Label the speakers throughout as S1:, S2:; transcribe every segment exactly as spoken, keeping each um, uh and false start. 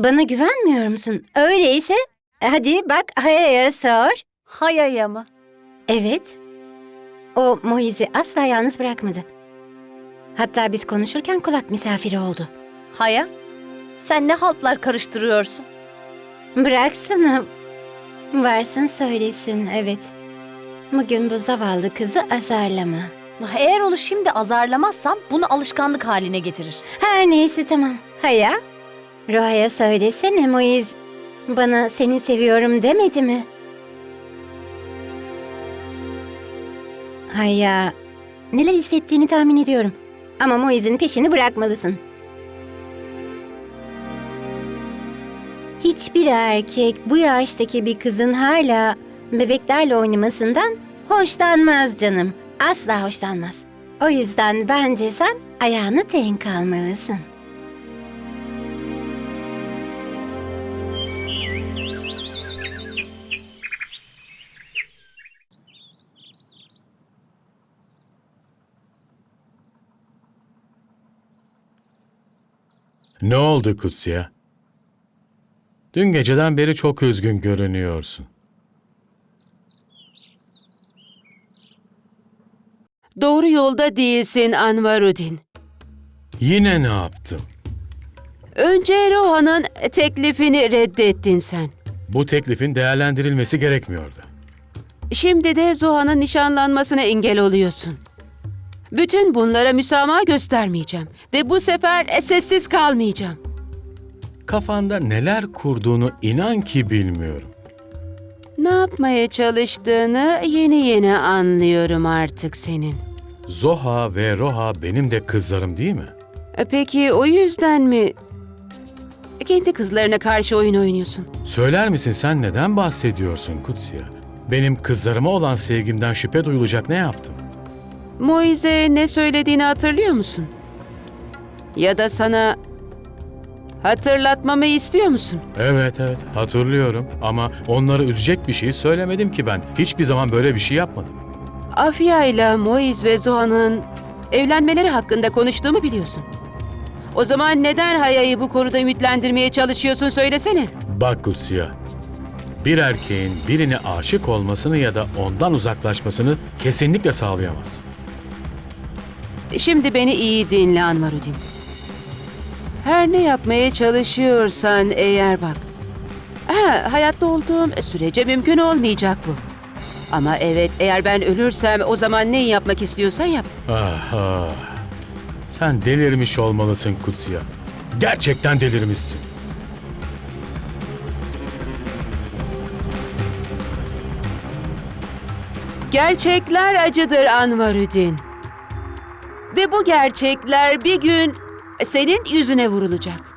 S1: Bana güvenmiyor musun? Öyleyse hadi bak Haya'ya sor.
S2: Hayaya mı?
S1: Evet. O Moiz'i asla yalnız bırakmadı. Hatta biz konuşurken kulak misafiri oldu.
S2: Haya? Sen ne haltlar karıştırıyorsun?
S1: Bıraksana. Varsın söylesin, evet. Bugün bu zavallı kızı azarlama.
S2: Eğer onu şimdi azarlamazsam bunu alışkanlık haline getirir.
S1: Her neyse tamam. Haya, Roha'ya söylesene Moiz bana seni seviyorum demedi mi? Haya, neler hissettiğini tahmin ediyorum. Ama Moiz'in peşini bırakmalısın. Hiçbir erkek bu yaştaki bir kızın hala bebeklerle oynamasından hoşlanmaz canım. Asla hoşlanmaz. O yüzden bence sen ayağını denk almalısın.
S3: Ne oldu Kutsiya? Dün geceden beri çok üzgün görünüyorsun.
S4: Doğru yolda değilsin Anvarudin.
S3: Yine ne yaptım?
S4: Önce Roha'nın teklifini reddettin sen.
S3: Bu teklifin değerlendirilmesi gerekmiyordu.
S4: Şimdi de Zoha'nın nişanlanmasına engel oluyorsun. Bütün bunlara müsamaha göstermeyeceğim. Ve bu sefer sessiz kalmayacağım.
S3: Kafanda neler kurduğunu inan ki bilmiyorum.
S4: Ne yapmaya çalıştığını yeni yeni anlıyorum artık senin.
S3: Zoha ve Roha benim de kızlarım değil mi?
S4: E Peki o yüzden mi kendi kızlarına karşı oyun oynuyorsun?
S3: Söyler misin sen neden bahsediyorsun Kutsiya? Benim kızlarıma olan sevgimden şüphe duyulacak ne yaptım?
S4: Moize ne söylediğini hatırlıyor musun? Ya da sana hatırlatmamı istiyor musun?
S3: Evet evet hatırlıyorum ama onları üzecek bir şey söylemedim ki ben. Hiçbir zaman böyle bir şey yapmadım.
S4: Afia ile Moiz ve Zoha'nın evlenmeleri hakkında konuştuğumu biliyorsun. O zaman neden Haya'yı bu konuda ümitlendirmeye çalışıyorsun söylesene.
S3: Bak Kutsiya, bir erkeğin birine aşık olmasını ya da ondan uzaklaşmasını kesinlikle sağlayamaz.
S4: Şimdi beni iyi dinle Anvarudin. Her ne yapmaya çalışıyorsan eğer bak. Ha, hayatta olduğum sürece mümkün olmayacak bu. Ama evet eğer ben ölürsem o zaman ne yapmak istiyorsan yap.
S3: Ah, ah. Sen delirmiş olmalısın Kutsiya. Gerçekten delirmişsin.
S4: Gerçekler acıdır Anvarudin. Ve bu gerçekler bir gün senin yüzüne vurulacak.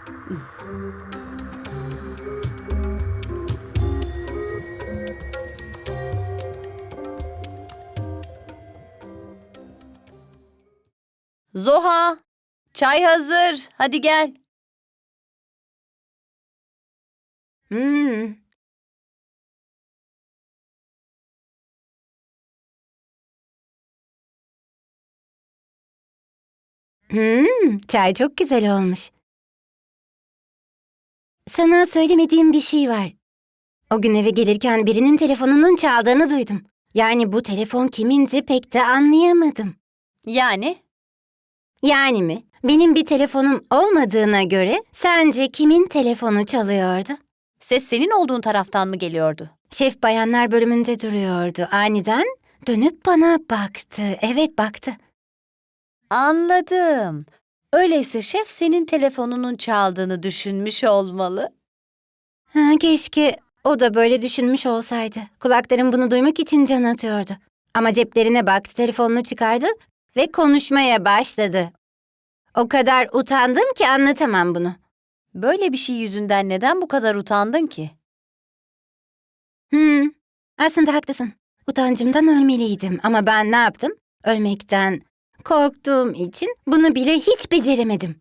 S2: Zoha, çay hazır. Hadi gel.
S1: Hmm. Hmm, çay çok güzel olmuş. Sana söylemediğim bir şey var. O gün eve gelirken birinin telefonunun çaldığını duydum. Yani bu telefon kimindi pek de anlayamadım.
S2: Yani?
S1: Yani mi? Benim bir telefonum olmadığına göre sence kimin telefonu çalıyordu?
S2: Ses senin olduğun taraftan mı geliyordu?
S1: Şef bayanlar bölümünde duruyordu. Aniden dönüp bana baktı. Evet baktı.
S2: Anladım. Öyleyse şef senin telefonunun çaldığını düşünmüş olmalı.
S1: Ha, keşke o da böyle düşünmüş olsaydı. Kulaklarım bunu duymak için can atıyordu. Ama ceplerine baktı, telefonunu çıkardı ve konuşmaya başladı. O kadar utandım ki anlatamam bunu.
S2: Böyle bir şey yüzünden neden bu kadar utandın ki?
S1: Hmm, aslında haklısın. Utancımdan ölmeliydim ama ben ne yaptım? Ölmekten korktuğum için bunu bile hiç beceremedim.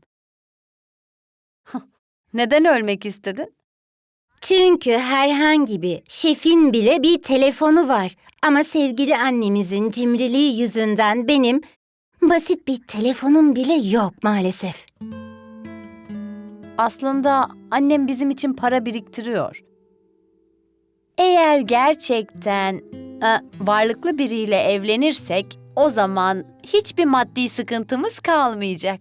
S2: Neden ölmek istedin?
S1: Çünkü herhangi bir şefin bile bir telefonu var. Ama sevgili annemizin cimriliği yüzünden benim basit bir telefonum bile yok maalesef.
S2: Aslında annem bizim için para biriktiriyor. Eğer gerçekten e, varlıklı biriyle evlenirsek o zaman hiçbir maddi sıkıntımız kalmayacak.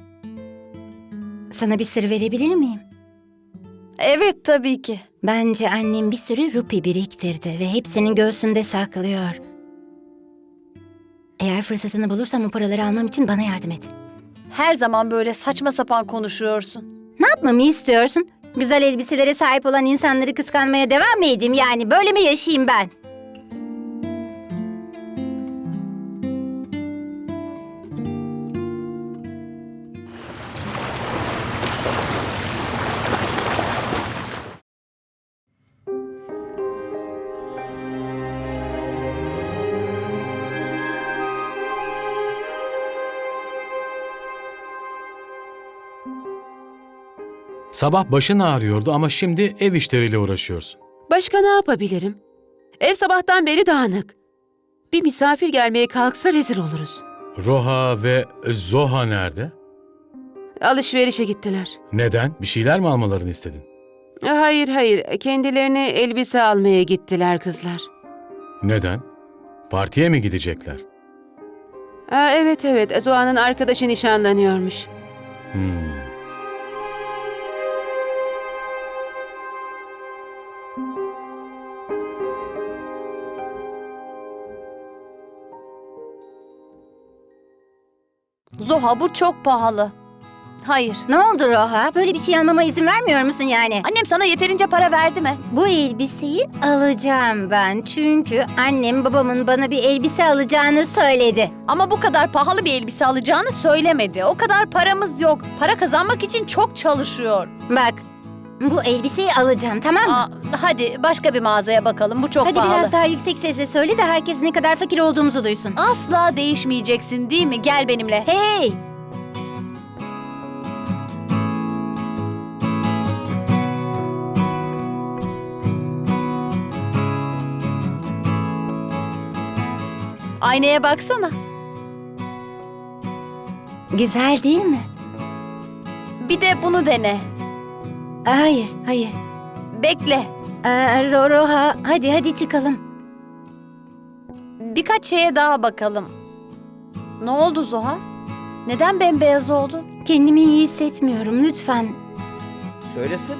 S1: Sana bir sır verebilir miyim?
S2: Evet, tabii ki.
S1: Bence annem bir sürü rupi biriktirdi ve hepsini göğsünde saklıyor. Eğer fırsatını bulursam o paraları almam için bana yardım et.
S2: Her zaman böyle saçma sapan konuşuyorsun.
S1: Ne yapmamı istiyorsun? Güzel elbiselere sahip olan insanları kıskanmaya devam mı edeyim yani? Böyle mi yaşayayım ben?
S3: Sabah başın ağrıyordu ama şimdi ev işleriyle uğraşıyorsun.
S4: Başka ne yapabilirim? Ev sabahtan beri dağınık. Bir misafir gelmeye kalksa rezil oluruz.
S3: Roha ve Zoha nerede?
S4: Alışverişe gittiler.
S3: Neden? Bir şeyler mi almalarını istedin?
S4: Hayır hayır, kendilerine elbise almaya gittiler kızlar.
S3: Neden? Partiye mi gidecekler?
S4: Aa, evet evet, Zoa'nın arkadaşı nişanlanıyormuş.
S3: Hmm.
S2: Zoha, bu çok pahalı. Hayır.
S1: Ne oldu Roha? Böyle bir şey almama izin vermiyor musun yani?
S2: Annem sana yeterince para verdi mi?
S1: Bu elbiseyi alacağım ben. Çünkü annem babamın bana bir elbise alacağını söyledi.
S2: Ama bu kadar pahalı bir elbise alacağını söylemedi. O kadar paramız yok. Para kazanmak için çok çalışıyor.
S1: Bak, bu elbiseyi alacağım, tamam mı?
S2: Aa, hadi başka bir mağazaya bakalım. Bu çok
S1: Hadi
S2: pahalı.
S1: biraz daha yüksek sesle söyle de herkes ne kadar fakir olduğumuzu duysun.
S2: Asla değişmeyeceksin, değil mi? Gel benimle.
S1: Hey!
S2: Aynaya baksana.
S1: Güzel değil mi?
S2: Bir de bunu dene.
S1: Hayır, hayır.
S2: Bekle.
S1: Ee, Ro- Roha, hadi hadi çıkalım.
S2: Birkaç şeye daha bakalım. Ne oldu Zoha? Neden bembeyaz oldun?
S1: Kendimi iyi hissetmiyorum, lütfen.
S5: Söylesene.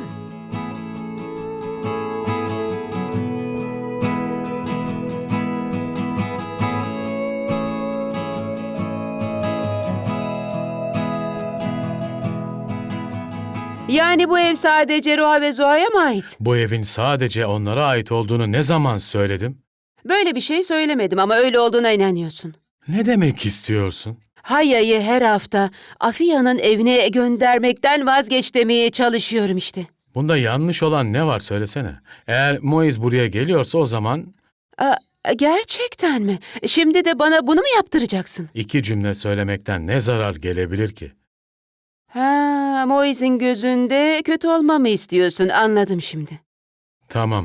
S4: Yani bu ev sadece Roha ve Zoa'ya mı ait?
S3: Bu evin sadece onlara ait olduğunu ne zaman söyledim?
S4: Böyle bir şey söylemedim ama öyle olduğuna inanıyorsun.
S3: Ne demek istiyorsun?
S4: Haya'yı her hafta Afiya'nın evine göndermekten vazgeç demeye çalışıyorum işte.
S3: Bunda yanlış olan ne var söylesene. Eğer Moiz buraya geliyorsa o zaman
S4: Aa, gerçekten mi? Şimdi de bana bunu mu yaptıracaksın?
S3: iki cümle söylemekten ne zarar gelebilir ki?
S4: Ha, Moise'in gözünde kötü olmamı istiyorsun, anladım şimdi.
S3: Tamam.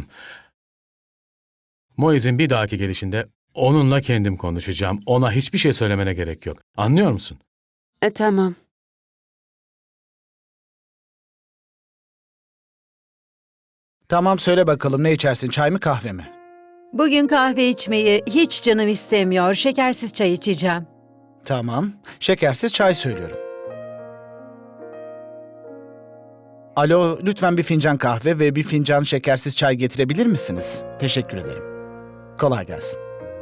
S3: Moiz'in bir dahaki gelişinde onunla kendim konuşacağım. Ona hiçbir şey söylemene gerek yok. Anlıyor musun?
S4: E, tamam.
S5: Tamam söyle bakalım ne içersin, çay mı kahve mi?
S6: Bugün kahve içmeyi hiç canım istemiyor. Şekersiz çay içeceğim.
S5: Tamam, şekersiz çay söylüyorum. Alo, lütfen bir fincan kahve ve bir fincan şekersiz çay getirebilir misiniz? Teşekkür ederim. Kolay gelsin.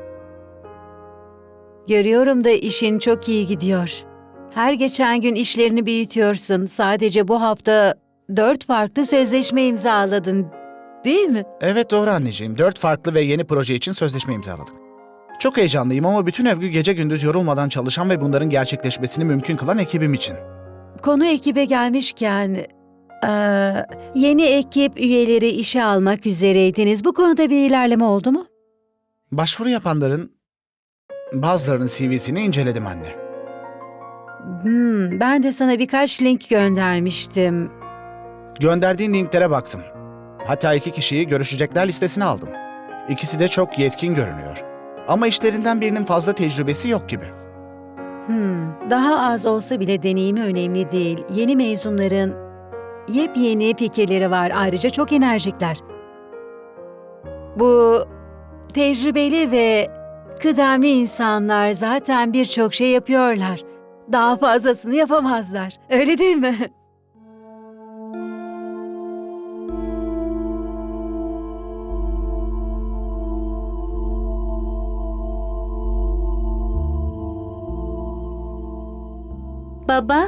S6: Görüyorum da işin çok iyi gidiyor. Her geçen gün işlerini büyütüyorsun. Sadece bu hafta dört farklı sözleşme imzaladın, değil mi?
S5: Evet doğru anneciğim, dört farklı ve yeni proje için sözleşme imzaladım. Çok heyecanlıyım ama bütün övgü gece gündüz yorulmadan çalışan ve bunların gerçekleşmesini mümkün kılan ekibim için.
S6: Konu ekibe gelmişken, eee, yeni ekip üyeleri işe almak üzereydiniz. Bu konuda bir ilerleme oldu mu?
S5: Başvuru yapanların bazılarının C V'sini inceledim anne.
S6: Hmm, ben de sana birkaç link göndermiştim.
S5: Gönderdiğin linklere baktım. Hatta iki kişiyi görüşecekler listesine aldım. İkisi de çok yetkin görünüyor. Ama işlerinden birinin fazla tecrübesi yok gibi.
S6: Hmm, daha az olsa bile deneyimi önemli değil. Yeni mezunların yepyeni fikirleri var. Ayrıca çok enerjikler. Bu tecrübeli ve kıdemli insanlar zaten birçok şey yapıyorlar. Daha fazlasını yapamazlar. Öyle değil mi?
S7: Baba,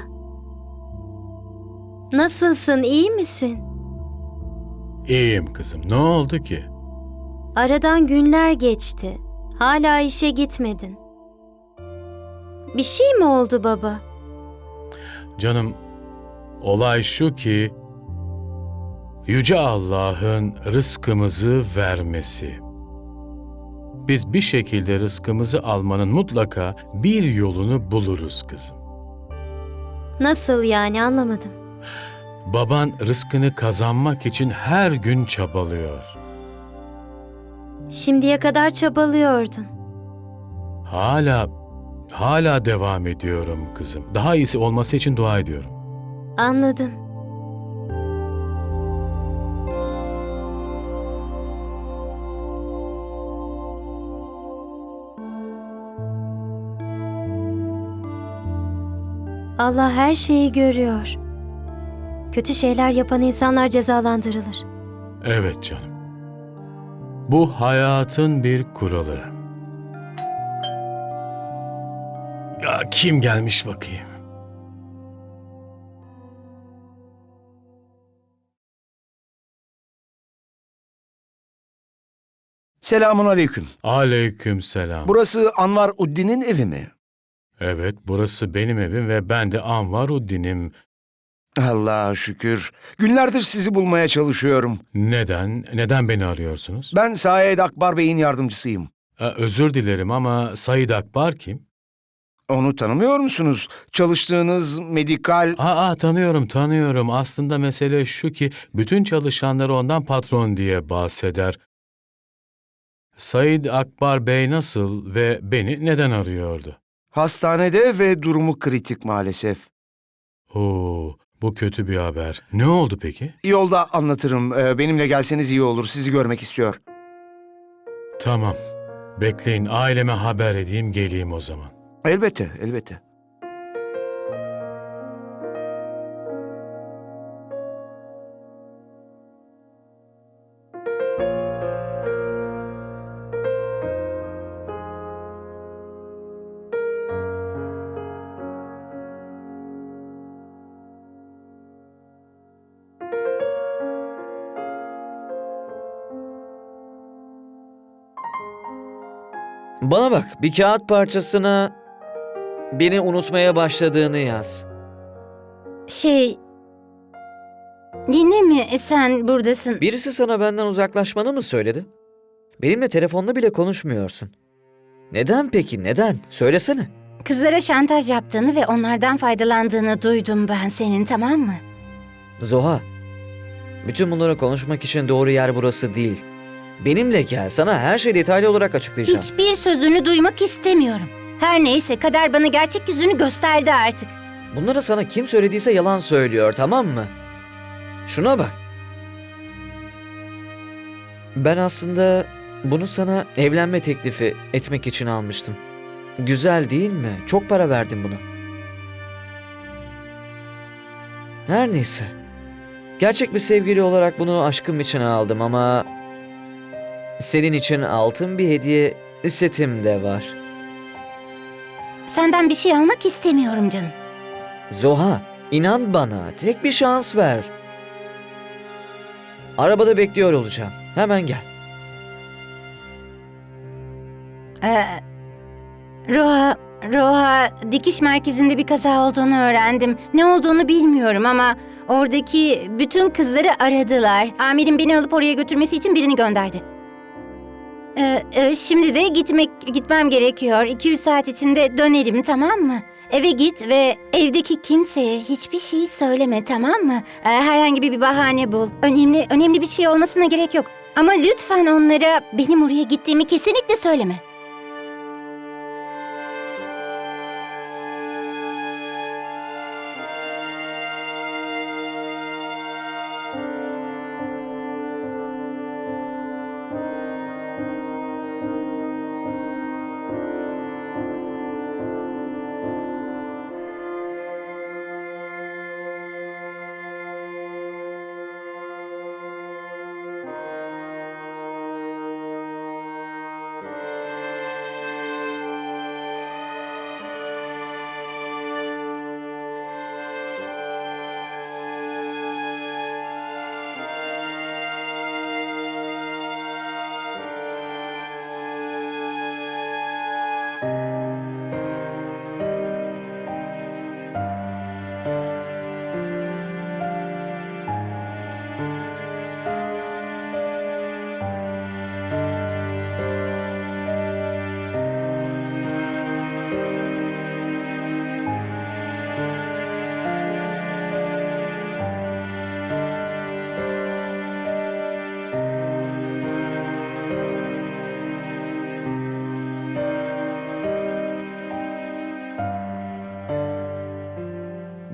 S7: nasılsın, iyi misin?
S3: İyiyim kızım. Ne oldu ki?
S7: Aradan günler geçti. Hala işe gitmedin. Bir şey mi oldu baba?
S3: Canım, olay şu ki Yüce Allah'ın rızkımızı vermesi. Biz bir şekilde rızkımızı almanın mutlaka bir yolunu buluruz kızım.
S7: Nasıl yani, anlamadım.
S3: Baban rızkını kazanmak için her gün çabalıyor.
S7: Şimdiye kadar çabalıyordun.
S3: Hala, hala devam ediyorum kızım. Daha iyisi olması için dua ediyorum.
S7: Anladım. Allah her şeyi görüyor. Kötü şeyler yapan insanlar cezalandırılır.
S3: Evet canım. Bu hayatın bir kuralı. Ya kim gelmiş bakayım?
S8: Selamun aleyküm.
S3: Aleykümselam.
S8: Burası Anvar Uddin'in evi mi?
S3: Evet, burası benim evim ve ben de Anvaruddin'im.
S8: Allah'a şükür. Günlerdir sizi bulmaya çalışıyorum.
S3: Neden? Neden beni arıyorsunuz?
S8: Ben Said Akbar Bey'in yardımcısıyım.
S3: Ha, özür dilerim ama Said Akbar kim?
S8: Onu tanımıyor musunuz? Çalıştığınız medikal...
S3: Aa, tanıyorum, tanıyorum. Aslında mesele şu ki bütün çalışanları ondan patron diye bahseder. Said Akbar Bey nasıl ve beni neden arıyordu?
S8: Hastanede ve durumu kritik maalesef.
S3: Oo, bu kötü bir haber. Ne oldu peki?
S8: Yolda anlatırım. Ee, Benimle gelseniz iyi olur. Sizi görmek istiyor.
S3: Tamam. Bekleyin, aileme haber edeyim, geleyim o zaman.
S8: Elbette, elbette.
S9: Bana bak, bir kağıt parçasına beni unutmaya başladığını yaz.
S1: Şey... Yine mi sen buradasın?
S9: Birisi sana benden uzaklaşmanı mı söyledi? Benimle telefonla bile konuşmuyorsun. Neden peki, neden? Söylesene.
S1: Kızlara şantaj yaptığını ve onlardan faydalandığını duydum ben senin, tamam mı?
S9: Zoha, bütün bunları konuşmak için doğru yer burası değil. Benimle gel, sana her şeyi detaylı olarak açıklayacağım.
S1: Hiçbir sözünü duymak istemiyorum. Her neyse, kader bana gerçek yüzünü gösterdi artık.
S9: Bunları sana kim söylediyse yalan söylüyor, tamam mı? Şuna bak. Ben aslında bunu sana evlenme teklifi etmek için almıştım. Güzel değil mi? Çok para verdim buna. Her neyse. Gerçek bir sevgili olarak bunu aşkım için aldım ama... Senin için altın bir hediye setim de var.
S1: Senden bir şey almak istemiyorum canım.
S9: Zoha, inan bana. Tek bir şans ver. Arabada bekliyor olacağım. Hemen gel.
S1: Ee, Roha, Roha, dikiş merkezinde bir kaza olduğunu öğrendim. Ne olduğunu bilmiyorum ama oradaki bütün kızları aradılar. Amirim beni alıp oraya götürmesi için birini gönderdi. Ee, e, şimdi de gitmek gitmem gerekiyor. iki üç saat içinde dönerim, tamam mı? Eve git ve evdeki kimseye hiçbir şey söyleme, tamam mı? Ee, herhangi bir bahane bul. Önemli önemli bir şey olmasına gerek yok. Ama lütfen onlara benim oraya gittiğimi kesinlikle söyleme.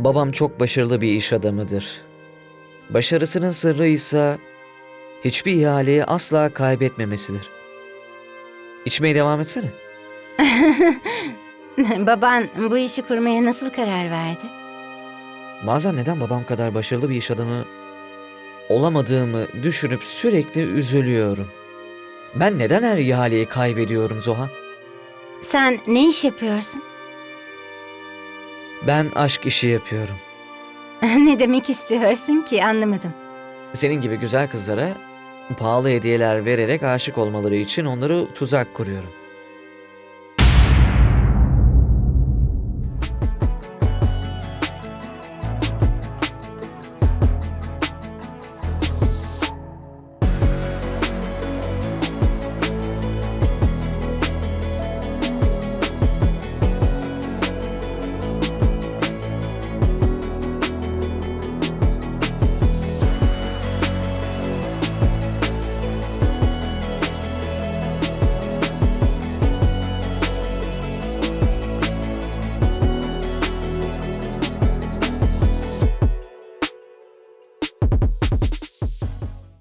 S9: Babam çok başarılı bir iş adamıdır. Başarısının sırrı ise hiçbir ihaleyi asla kaybetmemesidir. İçmeye devam etsene.
S1: Baban bu işi kurmaya nasıl karar verdi?
S9: Bazen neden babam kadar başarılı bir iş adamı olamadığımı düşünüp sürekli üzülüyorum. Ben neden her ihaleyi kaybediyorum Zoha?
S1: Sen ne iş yapıyorsun?
S9: Ben aşk işi yapıyorum.
S1: Ne demek istiyorsun ki anlamadım.
S9: Senin gibi güzel kızlara pahalı hediyeler vererek aşık olmaları için onları tuzak kuruyorum.